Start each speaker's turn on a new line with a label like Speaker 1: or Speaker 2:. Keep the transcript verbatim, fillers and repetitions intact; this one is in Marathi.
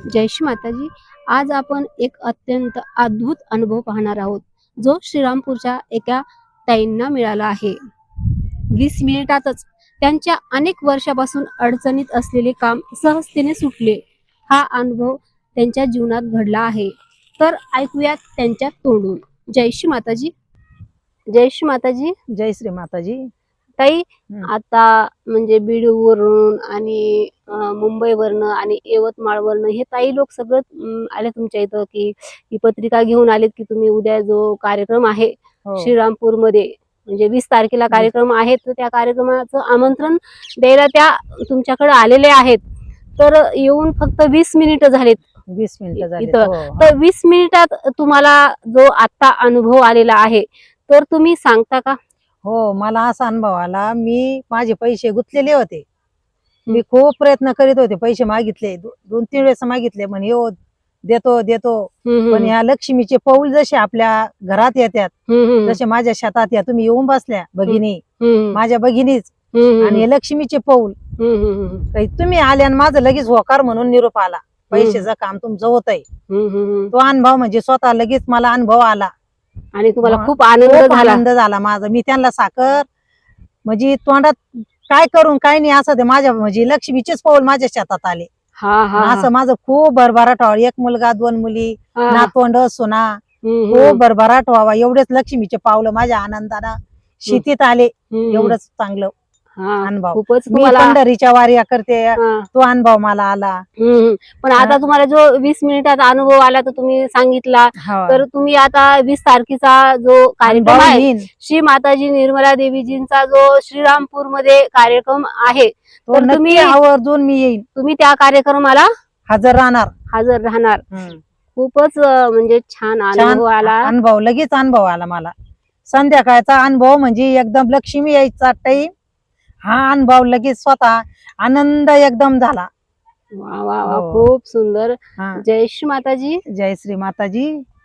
Speaker 1: जय श्री माताजी. आज आपण एक अत्यंत अद्भुत अनुभव पाहणार आहोत, जो श्रीरामपूरच्या एका ताईंना मिळाला आहे. वीस मिनिटातच त्यांच्या अनेक वर्षापासून अडचणीत असलेले काम सहजतेने सुटले. हा अनुभव त्यांच्या जीवनात घडला आहे. तर ऐकूयात त्यांच्या तोंडून. जय श्री माताजी. जय श्री माताजी.
Speaker 2: जय श्री माताजी.
Speaker 1: ताई,
Speaker 2: हं.
Speaker 1: आता म्हणजे बीडवरून आणि अ, मुंबईवरनं आणि यवतमाळवरनं हे ताई लोक सगळं अं, आले तुमच्या इथं, की ही पत्रिका घेऊन आलेत की तुम्ही उद्या जो कार्यक्रम आहे
Speaker 2: हो.
Speaker 1: श्रीरामपूरमध्ये, म्हणजे वीस तारखेला
Speaker 2: वीस.
Speaker 1: कार्यक्रम आहे, तर त्या कार्यक्रमाचं आमंत्रण द्यायला त्या तुमच्याकडे आलेले आहेत. तर येऊन फक्त वीस मिनिटं झालेत
Speaker 2: वीस मिनिटं झाली.
Speaker 1: इथं.
Speaker 2: हो.
Speaker 1: तर वीस मिनिटात तुम्हाला जो आता अनुभव आलेला आहे, तर तुम्ही सांगता का?
Speaker 2: हो, मला असा अनुभव आला. मी माझे पैसे गुंतलेले होते. मी खूप प्रयत्न करीत होते, पैसे मागितले, दो- दोन तीन वेळेस मागितले, म्हणे हो देतो देतो.
Speaker 1: हम्म,
Speaker 2: पण या लक्ष्मीचे पाऊल जसे आपल्या घरात येतात,
Speaker 1: हम्म, हम्म,
Speaker 2: जसे माझ्या शेतात या तुम्ही येऊन बसल्या भगिनी,
Speaker 1: हम्म,
Speaker 2: माझ्या भगिनीच,
Speaker 1: हम्म,
Speaker 2: आणि हे लक्ष्मीचे पाऊल
Speaker 1: हम्म, हम्म,
Speaker 2: काही तुम्ही आले आणि माझं लगेच होकार म्हणून निरोप आला, पैशाचं काम तुमचं होतंय.
Speaker 1: हम्म, हम्म.
Speaker 2: तो अनुभव म्हणजे स्वतः लगेच मला अनुभव आला.
Speaker 1: आणि तुम्हाला
Speaker 2: मग
Speaker 1: खूप आनंद
Speaker 2: खूप
Speaker 1: झाला.
Speaker 2: आनंद झाला माझा. मी त्यांना साखर म्हणजे तोंडात काय करून काय नाही असं ते माझ्या म्हणजे लक्ष्मीचेच पाऊल माझ्या शेतात आले.
Speaker 1: हा हा
Speaker 2: आणि असं माझं खूप भरभराट व्हावं. एक मुलगा दोन मुली,
Speaker 1: हा.
Speaker 2: नातवंड सुना,
Speaker 1: हम्म,
Speaker 2: खूप भरभराट व्हावा एवढेच लक्ष्मीचे पावलं माझ्या आनंदानं शेतीत आले.
Speaker 1: हम्म.
Speaker 2: एवढंच चांगलं
Speaker 1: हा,
Speaker 2: अनुभव.
Speaker 1: खूपच
Speaker 2: मी
Speaker 1: तुम्हाला.
Speaker 2: पंढरीच्या वाऱ्या करते,
Speaker 1: हा.
Speaker 2: तो अनुभव मला आला.
Speaker 1: हम्म. पण आता तुम्हाला जो वीस मिनिटात अनुभव आला तो तुम्ही सांगितला,
Speaker 2: हो.
Speaker 1: तर तुम्ही आता वीस तारखेचा जो कार्यक्रम
Speaker 2: अनुभव
Speaker 1: आहे
Speaker 2: येईन.
Speaker 1: श्री माताजी निर्मला देवीजींचा जो श्रीरामपूर मध्ये कार्यक्रम आहे,
Speaker 2: तो
Speaker 1: तर
Speaker 2: नक्की
Speaker 1: तुम्ही
Speaker 2: आवर्जून मी येईन,
Speaker 1: तुम्ही त्या कार्यक्रमाला
Speaker 2: हजर राहणार.
Speaker 1: हजर राहणार.
Speaker 2: हम्म.
Speaker 1: खूपच अं, म्हणजे छान
Speaker 2: छान
Speaker 1: अनुभव आला.
Speaker 2: अनुभव, लगेच अनुभव आला मला. संध्याकाळचा अनुभव म्हणजे एकदम लक्ष्मी यायचा टाईम, हा अनुभव लगेच स्वतः आनंद एकदम झाला.
Speaker 1: वा वा वा,
Speaker 2: हो.
Speaker 1: खूप सुंदर.
Speaker 2: हा.
Speaker 1: जय श्री माताजी.
Speaker 2: जय श्री माताजी.